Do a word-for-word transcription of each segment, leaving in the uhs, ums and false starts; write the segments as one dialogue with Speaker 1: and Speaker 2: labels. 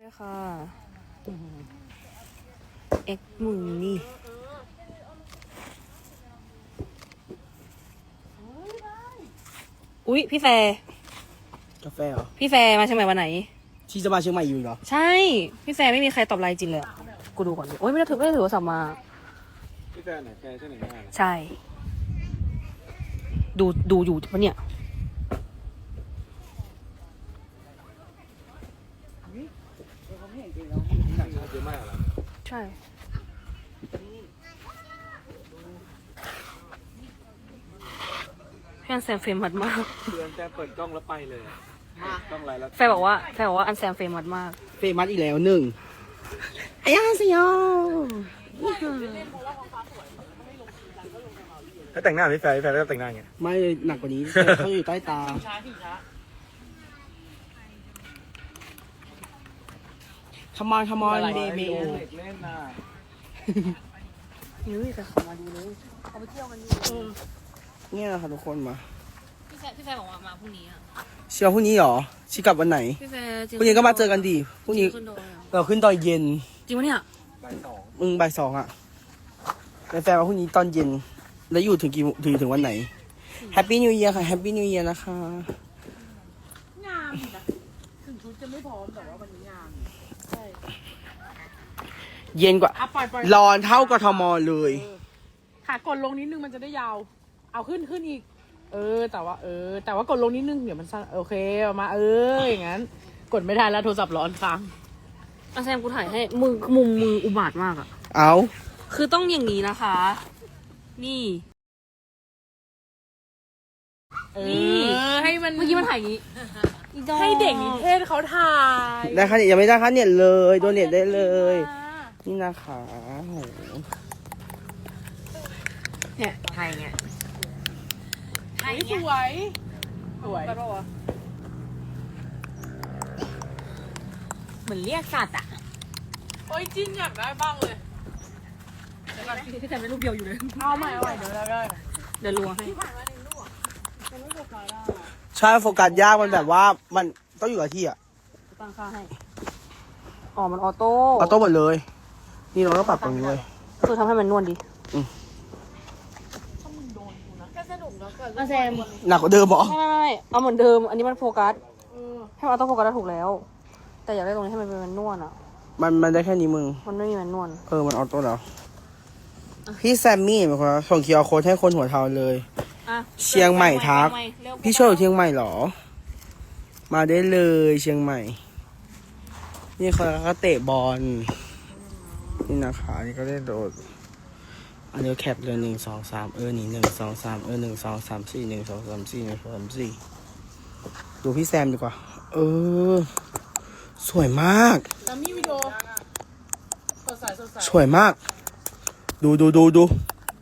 Speaker 1: ค่ะเอ็กมึงนี่อุ๊ยพี่แฟร์
Speaker 2: กาแฟเหรอ
Speaker 1: พี่แฟร์มาเชียงใหม่วันไหน
Speaker 2: ที่จะมาเชียงใหม่อยู่เหรอ
Speaker 1: ใช่พี่แฟร์ไม่มีใครตอบไลน์จริงเลยกูดูก่อนดิโอ๊ยไม่ได้ถือไม่ได้ถือโทรศัพท์มา
Speaker 3: พี่แฟนไหนแฟนใช่ไหนแม่
Speaker 1: ใช่ดูดูอยู่ปะเนี่ย
Speaker 3: เยอะมากเหรอ
Speaker 1: ใช่พี่อันแซมเฟรมมัดมาก
Speaker 3: เพื่อนแฟนเปิดกล้องแล้วไปเลยกล้องไรแล้ว
Speaker 1: แฟร์บอกว่าแฟร์บอกว่าอันแซมเฟรมมัดมาก
Speaker 2: เฟมัสอีกแล้วหนึ่งอายาสิโย
Speaker 3: ถ้าแต่งหน้าพี่แฟนพี่แฟนก็แต่งหน้าไง
Speaker 2: ไม่หนักกว่านี้เขาอยู่ใต้ตาขมอนขมอนเบบี
Speaker 3: เล่นน่ะ
Speaker 1: นี่แต่ของมาดีเลยเอาไปเที่ยวกันดี
Speaker 2: เนี่ยค่ะทุกคนมา
Speaker 1: พี่แฟร์พี่แฟร์บอกว่ามาพรุ่งนี้อ่ะ
Speaker 2: เชียวพรุ่งนี้เหรอชิกลับวันไหน
Speaker 1: พี่แฟร์
Speaker 2: พรุ่งนี้ก็มาเจอกันดีพรุ่งนี้เราขึ้นตอนเย็น
Speaker 1: จริงปะเนี่ย
Speaker 3: บ่ายสอง
Speaker 2: มึงบ่ายสองอ่ะแฟนมาพรุ่งนี้ตอนเย็นแล้วอยู่ถึงกี่ถึงถึงวันไหนแฮปปี้นิวเยียร์ค่ะแฮปปี้นิวเยียร์นะคะ
Speaker 4: งามนะถึงชุดจะไม่พร้อมแต่ว่าวันนี้งามใช่
Speaker 2: เย็นกว่าร้อนเท่ากทมเลย
Speaker 4: ขากดลงนิดนึงมันจะได้ยาวเอาขึ้นขึ้นอีกเออแต่ว่าเออแต่ว่ากดลงนิดนึงเดี๋ยวมันสั้นโอเคออกมาเอออย่างนั้นกดไม่ได้แล้วโทรศัพท์ร้อนค้าง
Speaker 1: อาแซมกูถ่ายให้มือมุมมืออุบาทมากอ่ะ
Speaker 2: เอา
Speaker 1: คือต้องอย่างนี้นะคะนี่
Speaker 4: นี่ให้มัน
Speaker 1: เมื่อกี้มันถ่ายอย่างนี้
Speaker 4: ให้เด็กนิเทศเขาถ่าย
Speaker 2: ได้ค่ะยังไม่ได้ค่ะเนี่ยเลยโดนเน็ตได้เลยนี่นะคะโห
Speaker 1: เนี่ยถ่ายเงี้ย
Speaker 4: ถ่ายสวยสวย
Speaker 1: ไปปะวะเหมือนเรียกสัตว์อ่ะ
Speaker 4: โอ้ยจิ้นอยากได้บ้างเลย
Speaker 1: พี่แต่ไม่รูปเดียวอยู่เลย
Speaker 4: เอาใหม่เอาใหม่เดี๋ยวเราได้
Speaker 1: เดี๋ยวลวงให้
Speaker 2: ใช่โฟกัสยากมันแบบว่ามันต้องอยู่กับที่อ่ะ
Speaker 1: ตั้งค่าให้อ๋อมันออโต้
Speaker 2: ออโต้หมดเลยนี่เราต้องปรับตรงนี้เลย
Speaker 1: คือทำให้มันนวลดี
Speaker 2: อืม
Speaker 1: อาแซม
Speaker 2: หนักกว่าเดิมเหรอ
Speaker 1: ไม่ไม่เอาเหมือนเดิมอันนี้มันโฟกัสให้มันออโต้โฟกัสได้ถูกแล้วแต่อยากได้ตรงนี้ให้มันเป็นมันนวลอ่ะ
Speaker 2: มันมันได้แค่นี้มึง
Speaker 1: มันไม่มีมันนวล
Speaker 2: เออมันออโต้แล้วพี่แซมมี่เป็นคนส่งคิวอาร์โค้ดให้คนหัวเทาเลยเชียงใหม่ทักพี่ช่วยอยู่เชียงใหม่หรอมาได้เลยเชียงใหม่นี่เขาก็เตะบอลนี่นะคะนี่ก็ได้โดดอันนี้แคปเลยหนึ่งสองสามเออนี่หนึ่งสองสามเออหนึ่งสองสามสี่หนึ่งสองสามสี่หนึ่งสองสามสี่ดูพี่แซมดีกว่าเออสวยมาก
Speaker 4: แล้วมีวิดีโอสดใสสดใส
Speaker 2: สวยมากดูดูดูดู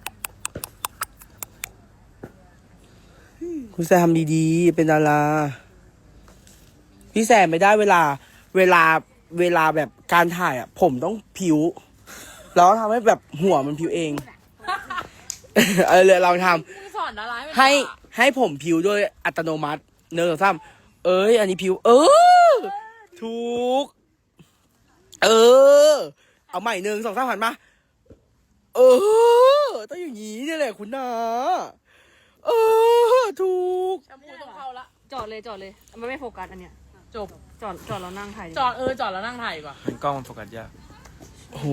Speaker 2: คุณแซมดีๆเป็นดาราพี่แซมไม่ได้เวลาเวลาเวลาแบบการถ่ายอ่ะผมต้องผิวแล้วทำให้แบบหัวมันผิวเองเออเลยเราทำให้ให้ผมผิวด้วยอัตโนมัติเนอซ้ำเอ้ยอันนี้ผิวเออถูกเออเอาใหม่หนึ่งสองสามหันมาเออต้องอย่างนี้นี่แหละคุณนาเออถูก
Speaker 4: แชมพูต้องเข้าละ
Speaker 1: จอดเลยจอดเลยมันไม่โฟกัสอันเนี้ย
Speaker 4: จบ
Speaker 1: จอดจอดแล้วนั่งถ่าย
Speaker 4: จอดเออจอดแล้วนั่งถ่ายก่อน
Speaker 3: กล้องมันโฟกัสยาก
Speaker 2: โอ้โห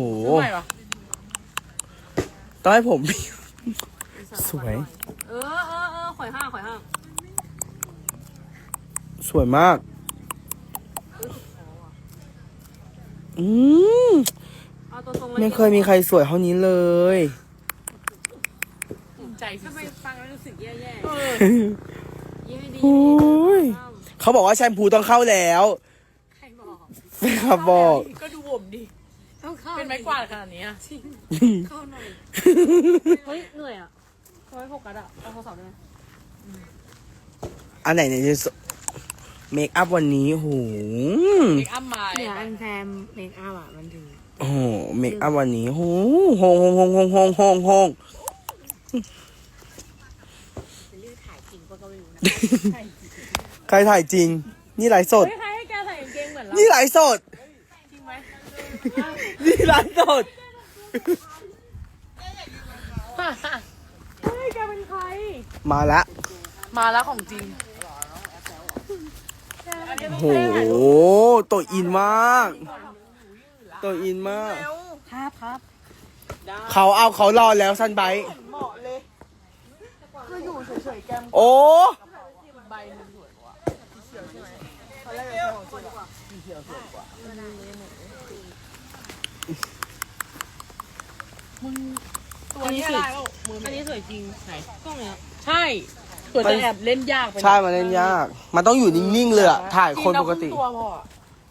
Speaker 4: ต้อง
Speaker 2: ให้ผมสวย
Speaker 1: เออเออเออข่อยห้างข่อยห้าง
Speaker 2: สวยมากอืมไม่เคยมีใครสวยเท่านี้เลย
Speaker 4: ใจทำไมฟังแล้วรู้สึกแย่ๆ
Speaker 1: เออยิ้มดี
Speaker 2: เขาบอกว่าแชมพูต้องเข้าแล้ว
Speaker 1: ใครบอก
Speaker 2: แฟนคลับบอก
Speaker 4: ก็ดูผมดิเป็นไม้กวาดขนาดนี้
Speaker 1: จริงเข้าหน่อยเฮ้ยเหนื่อยอ่ะทำไมโฟกัสอ่ะเอาโทรศัพท์ได้ไหม
Speaker 2: อันไหนเนี่ยจะเมคอัพวันนี้โห
Speaker 4: เมคอัพมา
Speaker 1: เนี่ยอันแซมเมคอัพอ่ะมันถึง
Speaker 2: โอ้โหเมคอัพวันนี้โหโฮงโฮงโฮงโฮงโฮงโฮงโฮง
Speaker 1: จะเลือกถ่ายจริงก็ไม่รู้นะ
Speaker 2: ใครถ่ายจริงนี่ไลฟ์สด
Speaker 4: ใครให้แกใส่กางเกงเหมือนเรา
Speaker 2: นี่ไลฟ์สดนี่ร้านสด
Speaker 4: เฮ้ยแกเป็นใคร
Speaker 2: มาละ
Speaker 4: มาแล้วของจริง
Speaker 2: โหตัวอินมากตัวอินมาก
Speaker 1: ครับครับ
Speaker 2: เขาเอาเขารอแล้วซันไบต์
Speaker 1: เหมาะเลยคืออยู่เฉยๆแกม
Speaker 2: โอ้
Speaker 4: ใบหนึ่งสวยกว่า
Speaker 1: ตอนแรกจะของจริงกว่า
Speaker 4: มึงตัวนี้อะไรแล้วมือ
Speaker 1: อัน
Speaker 4: ไม่
Speaker 1: นี้สวยจริง
Speaker 4: ไหน
Speaker 1: กล้องเนี้ย
Speaker 4: ใช่ตัวจะแอบเล่นยากไปหน่อย
Speaker 2: ใช่มันเล่นยาก มันต้องอยู่นิ่งๆเลยอะถ่ายคนปกติ
Speaker 4: จริงๆเราเพิ่งตัวพออะ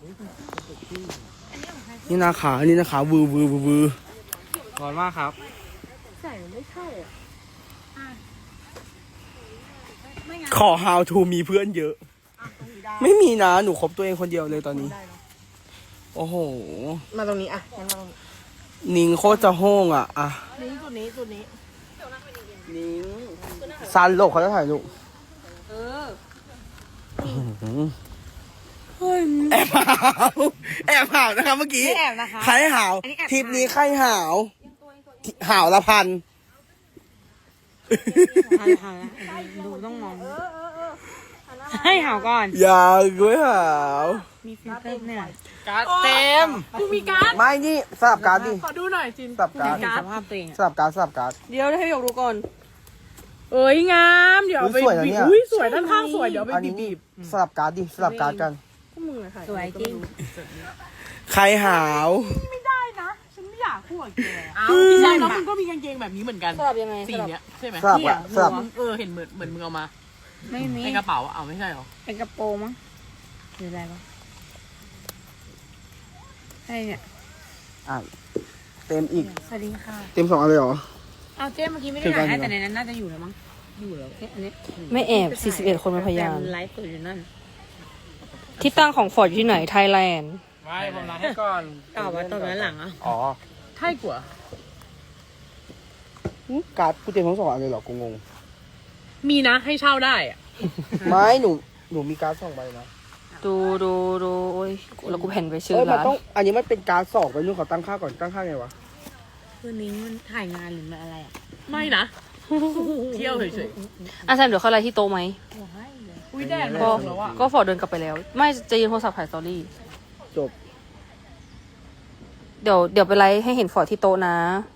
Speaker 2: นี่นาขานี่นาขาวือวือวือวือ
Speaker 3: ร้อนมากครับ
Speaker 1: ใส่ไม่ใช่อ่ะ
Speaker 2: ขอ how to มีเพื่อนเยอะ ไม่มีนะ หนูคบตัวเองคนเดียวเลยตอนนี้ โอ้โห
Speaker 1: มาตรงนี้อ่ะงั้นมาตรงนี้
Speaker 2: นิงโคตรจะโห้งอ่ะ อ่ะ
Speaker 1: นี่จุดนี้จุดนี้
Speaker 2: นิงซันโลกเขาจะถ่ายรูป
Speaker 1: เออ
Speaker 2: แอบหาวแอบหาวนะคะเมื่อกี้
Speaker 1: ไม่แอบนะคะ
Speaker 2: ใครหาว
Speaker 1: อันนี้แอบ
Speaker 2: ทริปนี้ใครหาวหาวละพัน
Speaker 1: หันหันดูต้องมองให้หาวก่อน
Speaker 2: อย่ากุ้ยหาว
Speaker 1: มีฟิลเตอร์เนี่ย
Speaker 3: การ์ดเต็ม
Speaker 4: กูมีการ์ด
Speaker 2: ไม่นี่สลับการ์ดดิ
Speaker 4: ขอดูหน่อยจิน
Speaker 2: สลับการ์ด
Speaker 4: มีการ์
Speaker 1: ส
Speaker 4: ด
Speaker 1: ภาพตัวเอง
Speaker 2: สลับการ์ดสลับการ์ด
Speaker 1: เดี๋ยวให้หยกดูก่อน
Speaker 4: เอ้ยงามเดี๋ยวเอาไป
Speaker 2: อุ๊ยสวยนะ
Speaker 4: บี
Speaker 2: เนี่
Speaker 4: บ
Speaker 2: ย
Speaker 4: อุ้ยสวยด้านข้างสวยเดี๋ยวเอาไป
Speaker 2: อัน
Speaker 4: บี
Speaker 2: นี้
Speaker 4: บบีบ
Speaker 2: สลับการ์ดดิสลับการ์ดกัน
Speaker 1: ก็มึงอะถ่าย
Speaker 5: สวยจริง
Speaker 2: ใครหาว
Speaker 4: ไม่ได้นะฉันไม่อยากพูดกับแกอ้าวพี่ชายน้องมึงก็มีกางเกงแบบนี้เหมือนกัน
Speaker 1: สลับยังไง
Speaker 4: สี
Speaker 1: สลับ
Speaker 4: เนี้ยใช่ไหม
Speaker 2: สลับอะสลับ
Speaker 4: เออเห็นเหมือนเหมือนมึงเอามา
Speaker 5: ไม่มี
Speaker 4: ในกระเป๋าอะเอาไม่ใช่หรอ
Speaker 5: เป็นกระโปรงมั้งหรืออะไรวะใช่เนี่ย
Speaker 2: อ่ะเต็มอีก
Speaker 5: สวัสดีค่ะ
Speaker 2: เต็มสองอันเลยเหรอ
Speaker 5: เอาเจ๊เมื่อกี้ไม่ได้
Speaker 2: เจอกั
Speaker 5: ถ่าน ยให้
Speaker 2: เหรอ
Speaker 5: แต่ในนั้นน่าจะอยู่แล้วมั้งอยู่แล้วเอ๊ะอันนี้
Speaker 1: ไม่แอบสี่สิบเอ็ดคนเป็นพยาน
Speaker 5: แต่ไลฟ์ตัวอยู่นั่น
Speaker 1: ที่ตั้งของฟอร์ดอยู่ที่ไหน ไทยแลนด์
Speaker 3: ไม่ผมล้างให้ก่อน
Speaker 5: ต่อไว้ตรงนั้นหลังอ่ะ
Speaker 3: อ๋อ
Speaker 4: ใช่กว่า
Speaker 2: หึการ์ดกูเต็มทั้งสองอันเลยเหรอ กูงง
Speaker 4: มีนะให้เช่าได้อะ
Speaker 2: ไม่หนู หนูมีการ์ดสองใบนะ
Speaker 1: ดูดูดูโอ้ยแล้วกูแผ่นไปชื่อ
Speaker 2: เอ้ยมัน
Speaker 1: ร้าน
Speaker 2: ต้อง อันนี้มันเป็นการ์ดสองไปนู่นเขาตั้งค่าก่อน ตั้งค่าไงวะ
Speaker 5: คืนนี้มันถ่ายงานหรือมันอะไรอ่ะ
Speaker 4: ไม่นะ เที่ยวเฉย
Speaker 1: อ่ะแซมเดี๋ยวเข้าไลน์ที่โต๊ะไหม
Speaker 5: ว้ายเลย
Speaker 4: ๆอุ้ยแดดมัน
Speaker 1: ก็
Speaker 4: ออกแล้วอะ
Speaker 1: ก็ฟอร์ดเดินกลับไปแล้ว ไม่จะยืนโทรศัพท์ถ่ายสตอรี่
Speaker 2: จบ
Speaker 1: เดี๋ยวเดี๋ยวไปไลฟ์ให้เห็นฟอร์ดที่โต๊ะนะ